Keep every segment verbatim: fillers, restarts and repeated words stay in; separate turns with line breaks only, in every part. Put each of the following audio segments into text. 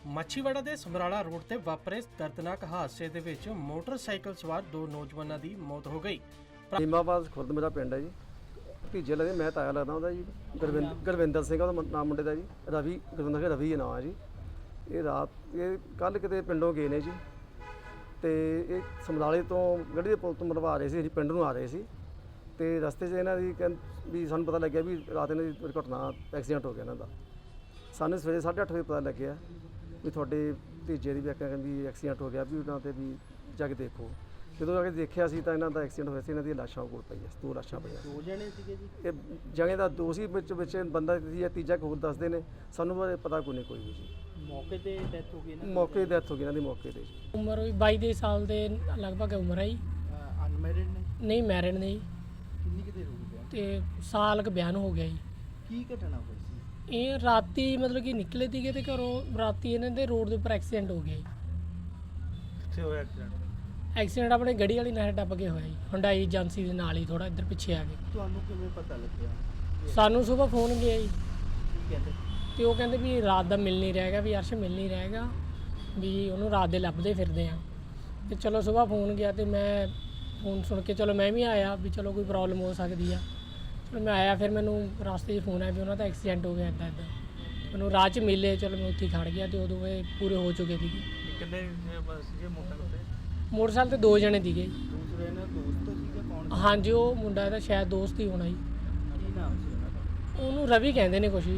ਮਾਛੀਵਾੜਾ ਦੇ ਸਮਰਾਲਾ ਰੋਡ ਤੇ ਵਾਪਰੇ ਦਰਦਨਾਕ ਹਾਦਸੇ ਦੇ ਵਿੱਚ ਮੋਟਰਸਾਈਕਲ ਸਵਾਰ ਦੋ ਨੌਜਵਾਨਾਂ ਦੀ ਮੌਤ ਹੋ ਗਈ।
ਨੀਮਾਬਾਦ ਖੁਰਦ ਮੇਰਾ ਪਿੰਡ ਹੈ ਜੀ। ਭਤੀਜੇ ਲੱਗਦੇ ਮੈਂ ਤਾਇਆ ਲੱਗਦਾ ਉਹਦਾ ਜੀ। ਗੁਰਵਿੰਦਰ ਗੁਰਵਿੰਦਰ ਸਿੰਘ ਉਹਦਾ ਨਾਮ ਮੁੰਡੇ ਦਾ ਜੀ। ਰਵੀ ਗੁਰਵਿੰਦਰ ਰਵੀ ਦਾ ਨਾਮ ਹੈ ਜੀ। ਇਹ ਰਾਤ ਇਹ ਕੱਲ ਕਿਤੇ ਪਿੰਡੋਂ ਗਏ ਨੇ ਜੀ ਤੇ ਇਹ ਸਮਰਾਲੇ ਤੋਂ ਗੱਡੀ ਦੇ ਪੁਲ ਤੋਂ ਮਰਵਾ ਰਹੇ ਸੀ ਜੀ, ਪਿੰਡ ਨੂੰ ਆ ਰਹੇ ਸੀ ਤੇ ਰਸਤੇ 'ਚ ਇਹਨਾਂ ਦੀ ਕਹਿੰ ਵੀ ਸਾਨੂੰ ਪਤਾ ਲੱਗਿਆ ਵੀ ਰਾਤ ਇਹਨਾਂ ਦੀ ਦੁਰਘਟਨਾ ਐਕਸੀਡੈਂਟ ਹੋ ਗਿਆ ਇਹਨਾਂ ਦਾ। ਸਾਨੂੰ ਸਵੇਰੇ ਸਾਢੇ ਅੱਠ ਵਜੇ ਪਤਾ ਲੱਗਿਆ ਵੀ ਤੁਹਾਡੇ ਭਤੀਜੇ ਦੀ ਵੀ ਕਹਿੰਦੀ ਐਕਸੀਡੈਂਟ ਹੋ ਗਿਆ, ਵੀ ਉਹਨਾਂ 'ਤੇ ਵੀ ਜਾ ਕੇ ਦੇਖੋ। ਜਦੋਂ ਆ ਕੇ ਦੇਖਿਆ ਸੀ ਤਾਂ ਇਹਨਾਂ ਦਾ ਐਕਸੀਡੈਂਟ ਹੋਇਆ ਸੀ। ਇਹਨਾਂ ਦੀਆਂ ਲਾਸ਼ਾਂ ਕੋਲ ਪਈਆਂ, ਦੋ ਲਾਸ਼ਾਂ ਪਈਆਂ।
ਦੋ ਜਣੇ ਸੀਗੇ ਜੀ?
ਇਹ ਜਣੇ ਦਾ ਦੋ ਸੀ, ਵਿੱਚ ਵਿੱਚ ਬੰਦਾ ਜਾਂ ਤੀਜਾ ਹੋਰ ਦੱਸਦੇ ਨੇ, ਸਾਨੂੰ ਬਾਰੇ ਪਤਾ ਕੋਈ ਨਹੀਂ ਕੋਈ ਵੀ ਜੀ।
ਮੌਕੇ ਤੇ ਡੈਥ ਹੋ ਗਈ ਨਾ?
ਮੌਕੇ ਦੀ ਡੈਥ ਹੋ ਗਈ ਇਹਨਾਂ ਦੀ ਮੌਕੇ ਤੇ ਜੀ।
ਉਮਰ ਵੀ ਬਾਈ ਦੇ ਸਾਲ ਦੇ ਲਗਭਗ ਉਮਰ ਹੈ ਜੀ।
ਅਨਮੈਰਿਡ ਨੇ?
ਨਹੀਂ ਮੈਰਿਡ ਨਹੀਂ।
ਕਿੰਨੀ ਕਿਤੇ ਹੋ ਗਿਆ
ਤੇ ਸਾਲ ਕ ਬਿਆਨ ਹੋ ਗਿਆ ਜੀ।
ਕੀ ਘਟਨਾ ਹੋਈ ਸੀ?
ਇਹ ਰਾਤੀ ਮਤਲਬ ਕਿ ਨਿਕਲੇ ਸੀਗੇ ਤੇ ਘਰੋਂ ਰਾਤੀ ਇਹਨਾਂ ਦੇ ਰੋਡ ਦੇ ਉੱਪਰ ਐਕਸੀਡੈਂਟ ਹੋ ਗਿਆ ਜੀ।
ਕਿੱਥੇ ਹੋਇਆ ਐਕਸੀਡੈਂਟ?
ਐਕਸੀਡੈਂਟ ਆਪਣੇ ਗੱਡੀ ਵਾਲੀ ਨਾਲ ਟੱਪ ਕੇ ਹੋਇਆ ਜੀ, ਹੁੰਡਾਈ ਏਜੰਸੀ ਦੇ ਨਾਲ ਹੀ ਥੋੜਾ ਇੱਧਰ ਪਿੱਛੇ ਆ ਕੇ।
ਤੁਹਾਨੂੰ ਕਿਵੇਂ ਪਤਾ ਲੱਗਿਆ?
ਸਾਨੂੰ ਸਵੇਰ ਫੋਨ ਗਿਆ ਜੀ
ਕੀ ਕਹਿੰਦੇ?
ਤੇ ਉਹ ਕਹਿੰਦੇ ਵੀ ਰਾਤ ਦਾ ਮਿਲ ਨਹੀਂ ਰਹੇਗਾ, ਵੀ ਅਰਸ਼ ਮਿਲ ਨਹੀਂ ਰਹੇਗਾ, ਵੀ ਉਹਨੂੰ ਰਾਤ ਦੇ ਲੱਭਦੇ ਫਿਰਦੇ ਆ। ਤੇ ਚਲੋ ਸਵੇਰ ਫੋਨ ਗਿਆ ਤੇ ਮੈਂ ਫੋਨ ਸੁਣ ਕੇ ਚਲੋ ਮੈਂ ਵੀ ਆਇਆ ਵੀ ਚਲੋ ਕੋਈ ਪ੍ਰੋਬਲਮ ਹੋ ਸਕਦੀ ਆ। ਚਲੋ ਮੈਂ ਆਇਆ, ਫਿਰ ਮੈਨੂੰ ਰਸਤੇ 'ਚ ਫੋਨ ਆਇਆ ਵੀ ਉਹਨਾਂ ਦਾ ਐਕਸੀਡੈਂਟ ਹੋ ਗਿਆ ਇੱਦਾਂ ਇੱਦਾਂ। ਮੈਨੂੰ ਰਾਹ 'ਚ ਮਿਲੇ, ਚਲੋ ਮੈਂ ਉੱਥੇ ਖੜ ਗਿਆ ਤੇ ਉਦੋਂ ਇਹ ਪੂਰੇ ਹੋ ਚੁੱਕੇ ਸੀਗੇ।
ਕਿੰਨੇ ਸੀਗੇ ਮੋਟਰਸਾਈਕਲ ਤੇ?
ਮੋਟਰਸਾਈਕਲ ਤੇ ਦੋ ਜਣੇ ਸੀਗੇ।
ਦੂਸਰੇ ਨੇ ਦੋਸਤ ਸੀਗਾ? ਕੌਣ?
ਹਾਂਜੀ, ਉਹ ਮੁੰਡਾ ਇਹਦਾ ਸ਼ਾਇਦ ਦੋਸਤ ਹੀ ਹੋਣਾ ਜੀ।
ਕੀ ਨਾਮ ਸੀ ਉਹਨਾਂ ਦਾ?
ਉਹਨੂੰ ਰਵੀ ਕਹਿੰਦੇ ਨੇ ਕੁਛ ਵੀ।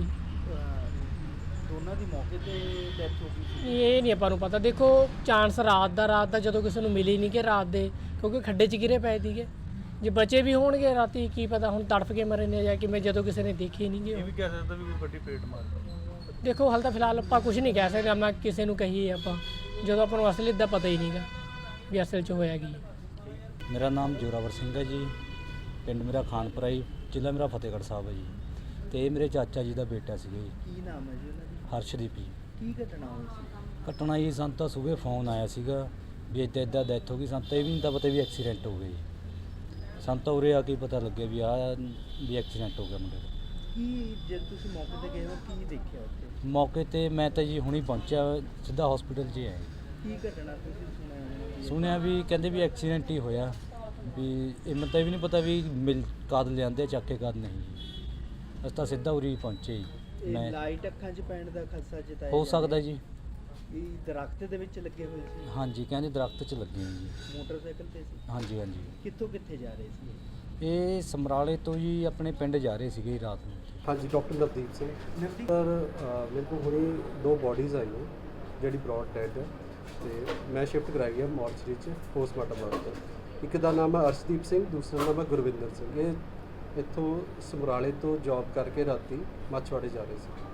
ਦੋਨਾਂ ਦੀ ਮੌਕੇ ਤੇ ਡੈਥ ਹੋ ਗਈ ਸੀ?
ਇਹ ਨਹੀਂ ਆਪਾਂ ਨੂੰ ਪਤਾ। ਦੇਖੋ ਚਾਂਸ ਰਾਤ ਦਾ ਰਾਤ ਦਾ ਜਦੋਂ ਕਿਸੇ ਨੂੰ ਮਿਲੀ ਨਹੀਂ ਕਿ ਰਾਤ ਦੇ, ਕਿਉਂਕਿ ਖੱਡੇ 'ਚ ਗਿਰੇ ਪਏ ਸੀਗੇ। ਜੇ ਬੱਚੇ ਵੀ ਹੋਣਗੇ ਰਾਤੀ ਕੀ ਪਤਾ ਹੁਣ ਤੜਫ ਕੇ ਮਰੇ ਨੇ ਜਾਂ ਕਿਵੇਂ, ਜਦੋਂ ਕਿਸੇ ਨੇ ਦੇਖੇ ਨਹੀਂ ਗੇ।
ਇਹ ਵੀ ਕਹਿ ਸਕਦਾ ਵੀ ਕੋਈ ਵੱਡੀ ਪੇਟ ਮਾਰ ਗਈ।
ਦੇਖੋ ਹਾਲ ਤਾਂ ਫਿਲਹਾਲ ਆਪਾਂ ਕੁਝ ਨਹੀਂ ਕਹਿ ਸਕਦੇ, ਮੈਂ ਕਿਸੇ ਨੂੰ ਕਹੀਏ ਆਪਾਂ ਜਦੋਂ ਆਪਾਂ ਨੂੰ ਅਸਲੀ ਦਾ ਪਤਾ ਹੀ ਨਹੀਂਗਾ ਵੀ ਅਸਲ 'ਚ ਹੋਇਆ ਕੀ।
ਮੇਰਾ ਨਾਮ ਜੋਰਾਵਰ ਸਿੰਘ ਹੈ ਜੀ। ਪਿੰਡ ਮੇਰਾ ਖਾਨਪੁਰਾ ਜੀ, ਜ਼ਿਲ੍ਹਾ ਮੇਰਾ ਫਤਿਹਗੜ੍ਹ ਸਾਹਿਬ ਹੈ ਜੀ। ਤੇ ਇਹ ਮੇਰੇ ਚਾਚਾ ਜੀ ਦਾ ਬੇਟਾ ਸੀਗਾ ਜੀ।
ਕੀ ਨਾਮ ਹੈ ਜੀ ਉਹਨਾਂ ਦੀ?
ਹਰਸ਼ਦੀਪ ਜੀ।
ਕੀ ਘਟਨਾ ਹੋਈ ਸੀ?
ਘਟਨਾ ਜੀ ਸਾਨੂੰ ਤਾਂ ਸਵੇਰੇ ਫੋਨ ਆਇਆ ਸੀਗਾ ਵੀ ਇੱਦਾਂ ਇੱਦਾਂ ਡੈਥ ਹੋ ਗਈ। ਸਾਨੂੰ ਤਾਂ ਇਹ ਵੀ ਨਹੀਂ ਤਾਂ ਪਤਾ ਵੀ ਐਕਸੀਡੈਂਟ ਹੋ ਗਿਆ ਜੀ। ਸਾਨੂੰ ਤਾਂ ਉਰੇ ਆ ਕੇ ਪਤਾ ਲੱਗਿਆ ਵੀ ਆਹ ਵੀ ਐਕਸੀਡੈਂਟ ਹੋ ਗਿਆ ਮੁੰਡੇ ਦਾ।
ਕੀ ਜਦ ਤੁਸੀਂ ਮੌਕੇ ਤੇ ਗਏ ਹੋ ਕੀ ਦੇਖਿਆ ਉੱਥੇ?
ਮੌਕੇ ਤੇ ਮੈਂ ਤਾਂ ਜੀ ਹੁਣੀ ਪਹੁੰਚਿਆ, ਸਿੱਧਾ ਹਸਪੀਟਲ 'ਚ ਹੀ ਆਇਆ।
ਕੀ ਘਟਨਾ ਤੁਸੀਂ ਸੁਣਿਆ?
ਸੁਣਿਆ ਵੀ ਕਹਿੰਦੇ ਵੀ ਐਕਸੀਡੈਂਟ ਹੀ ਹੋਇਆ, ਵੀ ਇਹ ਮੈਨੂੰ ਤਾਂ ਇਹ ਵੀ ਨਹੀਂ ਪਤਾ ਵੀ ਮਿਲ ਕਦ ਲਿਆਂਦੇ ਚੱਕ ਕੇ ਕਦ ਨਹੀਂ। ਅਸੀਂ ਤਾਂ ਸਿੱਧਾ ਉਰੀ ਪਹੁੰਚੇ ਜੀ।
ਮੈਂ ਲਾਈਟ ਅੱਖਾਂ 'ਚ ਪੈਣ ਦਾ ਖਦਸ਼ਾ ਜਤਾਇਆ
ਹੋ ਸਕਦਾ ਜੀ।
ਇਹ ਦਰਖਤ ਦੇ ਵਿੱਚ ਲੱਗੇ ਹੋਏ ਸੀ?
ਹਾਂਜੀ, ਕਹਿੰਦੇ ਦਰਖਤ 'ਚ ਲੱਗੇ ਹੋਏ ਜੀ।
ਮੋਟਰਸਾਈਕਲ ਤੇ ਸੀ?
ਹਾਂਜੀ ਹਾਂਜੀ।
ਕਿੱਥੋਂ ਕਿੱਥੇ ਜਾ ਰਹੇ ਸੀ?
ਇਹ ਸਮਰਾਲੇ ਤੋਂ ਜੀ ਆਪਣੇ ਪਿੰਡ ਜਾ ਰਹੇ ਸੀਗੇ ਰਾਤ ਨੂੰ।
ਹਾਂਜੀ, ਡਾਕਟਰ ਨਵਦੀਪ ਸਿੰਘ ਸਰ। ਮੇਰੇ ਕੋਲ ਹੁਣੇ ਦੋ ਬੋਡੀਜ਼ ਆਈਆਂ ਜਿਹੜੀ ਬ੍ਰੌਡ ਡੈਡ ਹੈ ਤੇ ਮੈਂ ਸ਼ਿਫਟ ਕਰਾਈ ਹੈ ਮੋਰਚਰੀ 'ਚ ਪੋਸਟਮਾਰਟਮ ਵਾਸਤੇ। ਇੱਕ ਦਾ ਨਾਮ ਹੈ ਅਰਸ਼ਦੀਪ ਸਿੰਘ, ਦੂਸਰਾ ਨਾਮ ਹੈ ਗੁਰਵਿੰਦਰ ਸਿੰਘ। ਇਹ ਇੱਥੋਂ ਸਮਰਾਲੇ ਤੋਂ ਜੌਬ ਕਰਕੇ ਰਾਤੀ ਮਾਛੀਵਾੜੇ ਜਾ ਰਹੇ ਸੀ।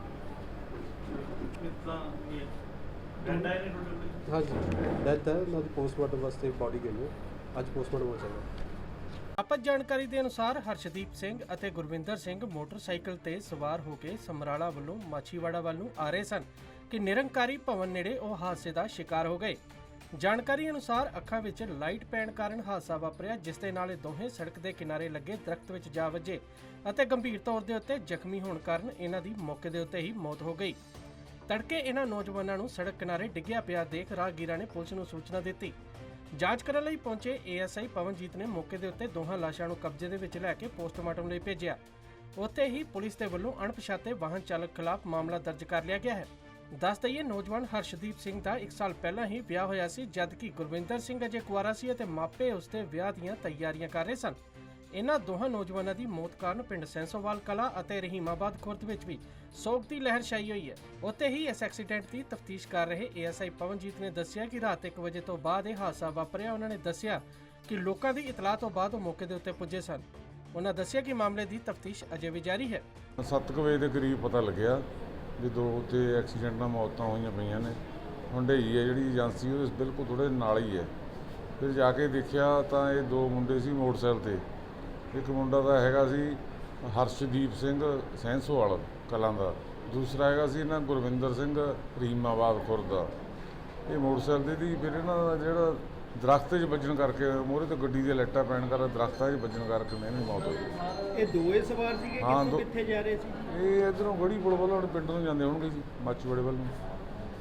ਹਾਂਜੀ, ਡੈਥ ਹੈ ਉਹਨਾਂ ਦੀ। ਪੋਸਟਮਾਰਟਮ ਵਾਸਤੇ ਬੋਡੀ ਗਈ ਹੈ, ਅੱਜ ਪੋਸਟਮਾਰਟਮ ਹੋ ਜਾਏਗਾ।
ਪ੍ਰਾਪਤ ਜਾਣਕਾਰੀ ਦੇ ਅਨੁਸਾਰ ਹਰਸ਼ਦੀਪ ਸਿੰਘ ਅਤੇ ਗੁਰਵਿੰਦਰ ਸਿੰਘ ਮੋਟਰਸਾਈਕਲ ਤੇ ਸਵਾਰ ਹੋ ਕੇ ਸਮਰਾਲਾ ਵੱਲੋਂ ਮਾਛੀਵਾੜਾ ਵੱਲ ਨੂੰ ਆ ਰਹੇ ਸਨ ਕਿ ਨਿਰੰਕਾਰੀ ਭਵਨ ਨੇੜੇ ਉਹ ਹਾਦਸੇ ਦਾ ਸ਼ਿਕਾਰ ਹੋ ਗਏ। ਜਾਣਕਾਰੀ ਅਨੁਸਾਰ ਅੱਖਾਂ ਵਿੱਚ ਲਾਈਟ ਪੈਣ ਕਾਰਨ ਹਾਦਸਾ ਵਾਪਰਿਆ, ਜਿਸ ਦੇ ਨਾਲ ਇਹ ਦੋਹੇ ਸੜਕ ਦੇ ਕਿਨਾਰੇ ਲੱਗੇ ਦਰਖਤ ਵਿੱਚ ਜਾ ਵੱਜੇ ਅਤੇ ਗੰਭੀਰ ਤੌਰ ਦੇ ਉੱਤੇ ਜ਼ਖਮੀ ਹੋਣ ਕਾਰਨ ਇਹਨਾਂ ਦੀ ਮੌਕੇ ਦੇ ਉੱਤੇ ਹੀ ਮੌਤ ਹੋ ਗਈ। ਤੜਕੇ ਇਹਨਾਂ ਨੌਜਵਾਨਾਂ ਨੂੰ ਸੜਕ ਕਿਨਾਰੇ ਡਿੱਗਿਆ ਪਿਆ ਦੇਖ ਰਾਹਗੀਰਾਂ ਨੇ ਪੁਲਿਸ ਨੂੰ ਸੂਚਨਾ ਦਿੱਤੀ। ਜਾਂਚ ਕਰਨ ਲਈ ਪਹੁੰਚੇ ਏ ਐਸ ਆਈ ਪਵਨਜੀਤ ਨੇ ਮੌਕੇ ਦੇ ਉੱਤੇ ਦੋਹਾਂ ਲਾਸ਼ਾਂ ਨੂੰ ਕਬਜ਼ੇ ਦੇ ਵਿੱਚ ਲੈ ਕੇ ਪੋਸਟਮਾਰਟਮ ਲਈ ਭੇਜਿਆ। ਉੱਥੇ ਹੀ ਪੁਲਿਸ ਦੇ ਵੱਲੋਂ ਅਣਪਛਾਤੇ ਵਾਹਨ ਚਾਲਕ ਖਿਲਾਫ ਮਾਮਲਾ ਦਰਜ ਕਰ ਲਿਆ ਗਿਆ ਹੈ। ਦੱਸ ਦਈਏ, ਨੌਜਵਾਨ ਹਰਸ਼ਦੀਪ ਸਿੰਘ ਦਾ ਇੱਕ ਸਾਲ ਪਹਿਲਾਂ ਹੀ ਵਿਆਹ ਹੋਇਆ ਸੀ, ਜਦਕਿ ਗੁਰਵਿੰਦਰ ਸਿੰਘ ਅਜੇ ਕੁਆਰਾ ਸੀ ਅਤੇ ਮਾਪੇ ਉਸ ਦੇ ਵਿਆਹ ਦੀਆਂ ਤਿਆਰੀਆਂ ਕਰ ਰਹੇ ਸਨ। ਇਹਨਾਂ ਦੋਹਾਂ ਨੌਜਵਾਨਾਂ ਦੀ ਮੌਤ ਕਾਰਨ ਪਿੰਡ ਸੈਂਸੋਵਾਲ ਕਲਾ ਅਤੇ ਰਹੀਮਾਬਾਦ ਖੁਰਦ ਵਿੱਚ ਵੀ ਸੋਗ ਦੀ ਲਹਿਰ ਛਾਈ ਹੋਈ ਹੈ। ਉੱਥੇ ਹੀ ਇਸ ਐਕਸੀਡੈਂਟ ਦੀ ਤਫਤੀਸ਼ ਕਰ ਰਹੇ ਏ ਐਸ ਆਈ ਪਵਨਜੀਤ ਨੇ ਦੱਸਿਆ ਕਿ ਰਾਤ ਇੱਕ ਵਜੇ ਤੋਂ ਬਾਅਦ ਇਹ ਹਾਦਸਾ ਵਾਪਰਿਆ। ਉਹਨਾਂ ਨੇ ਦੱਸਿਆ ਕਿ ਲੋਕਾਂ ਦੀ ਇਤਲਾਹ ਤੋਂ ਬਾਅਦ ਉਹ ਮੌਕੇ ਦੇ ਉੱਤੇ ਪੁੱਜੇ ਸਨ। ਉਹਨਾਂ ਦੱਸਿਆ ਕਿ ਮਾਮਲੇ ਦੀ ਤਫਤੀਸ਼ ਅਜੇ ਵੀ ਜਾਰੀ ਹੈ।
ਸੱਤ ਕੁ ਵਜੇ ਦੇ ਕਰੀਬ ਪਤਾ ਲੱਗਿਆ ਵੀ ਦੋ ਉੱਤੇ ਐਕਸੀਡੈਂਟ ਨਾਲ ਮੌਤਾਂ ਹੋਈਆਂ ਪਈਆਂ ਨੇ। ਹੁੰਡਈ ਹੈ ਜਿਹੜੀ ਏਜੰਸੀ, ਉਹ ਬਿਲਕੁਲ ਥੋੜ੍ਹੇ ਨਾਲ ਹੀ ਹੈ। ਫਿਰ ਜਾ ਕੇ ਦੇਖਿਆ ਤਾਂ ਇਹ ਦੋ ਮੁੰਡੇ ਸੀ ਮੋਟਰਸਾਈਕਲ 'ਤੇ। ਇੱਕ ਮੁੰਡਾ ਤਾਂ ਹੈਗਾ ਸੀ ਹਰਸ਼ਦੀਪ ਸਿੰਘ ਸੈਂਸੋਵਾਲ ਕਲਾਂ ਦਾ, ਦੂਸਰਾ ਹੈਗਾ ਸੀ ਇਹਨਾਂ ਗੁਰਵਿੰਦਰ ਸਿੰਘ ਰਹੀਮਾਬਾਦ ਖੁਰਦ ਦਾ। ਇਹ ਮੋਟਰਸਾਈਕਲ ਦੀ ਫਿਰ ਇਹਨਾਂ ਦਾ ਜਿਹੜਾ ਦਰਖਤ 'ਚ ਵੱਜਣ ਕਰਕੇ, ਮੋਹਰੇ ਤੋਂ ਗੱਡੀ ਦੀਆਂ ਲਾਈਟਾਂ ਪੈਣ ਕਰਕੇ ਦਰਖਤਾਂ 'ਚ ਵੱਜਣ ਕਰਕੇ ਇਹਨਾਂ ਦੀ ਮੌਤ ਹੋ ਗਈ।
ਇਹ ਦੋਵੇਂ ਸਵਾਰ ਸੀਗੇ? ਕਿੱਥੋਂ ਕਿੱਥੇ ਜਾ ਰਹੇ ਸੀ?
ਇਹ ਇੱਧਰੋਂ ਗੜੀ ਪੁਲ ਵੱਲੋਂ ਪਿੰਡ ਨੂੰ ਜਾਂਦੇ ਹੋਣਗੇ ਜੀ, ਮਾਛੀਵਾੜੇ ਵੱਲ ਨੂੰ।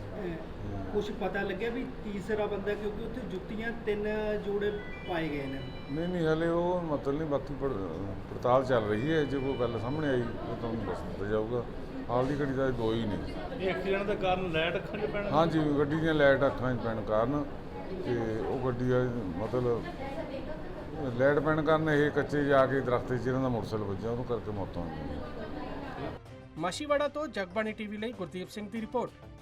ਕੁਝ ਪਤਾ ਲੱਗਿਆ ਵੀ ਤੀਸਰਾ ਬੰਦਾ, ਕਿਉਂਕਿ ਉੱਥੇ ਜੁੱਤੀਆਂ ਤਿੰਨ ਜੋੜੇ ਪਾਏ ਗਏ ਨੇ।
ਨਹੀਂ ਨਹੀਂ ਹਲੇ ਉਹ ਮਤਲਬ ਨਹੀਂ, ਬਾਕੀ ਪੜ- ਪੜਤਾਲ ਚੱਲ ਰਹੀ ਹੈ। ਜੇ ਕੋਈ ਗੱਲ ਸਾਹਮਣੇ ਆਈ ਤਾਂ ਤੁਹਾਨੂੰ ਦੱਸ ਦਿੱਤਾ ਜਾਊਗਾ। ਹਾਲ ਦੀ ਘੜੀ ਦਾ ਦੋ ਹੀ ਨੇ।
ਇਹ ਐਕਸੀਡੈਂਟ ਦਾ ਕਾਰਨ ਲਾਈਟ ਅੱਖਾਂ 'ਚ ਪੈਣਾ?
ਹਾਂਜੀ, ਗੱਡੀ ਦੀਆਂ ਲਾਈਟ ਅੱਖਾਂ 'ਚ ਪੈਣ ਕਾਰਨ, ਤੇ ਉਹ ਗੱਡੀ ਦਾ ਮਤਲਬ ਲਾਈਟ ਪੈਣ ਕਾਰਨ ਇਹ ਕੱਚੇ ਜਾ ਕੇ ਦਰਖਤ 'ਚ ਇਹਨਾਂ ਦਾ ਮੋਟਰਸਾਈਕਲ ਵੱਜਿਆ, ਉਹਨੂੰ ਕਰਕੇ ਮੌਤਾਂ ਹੋ ਗਈਆਂ।
ਮਾਛੀਵਾੜਾ ਤੋਂ ਜਗਬਾਣੀ ਟੀਵੀ ਲਈ ਗੁਰਦੀਪ ਸਿੰਘ ਦੀ ਰਿਪੋਰਟ।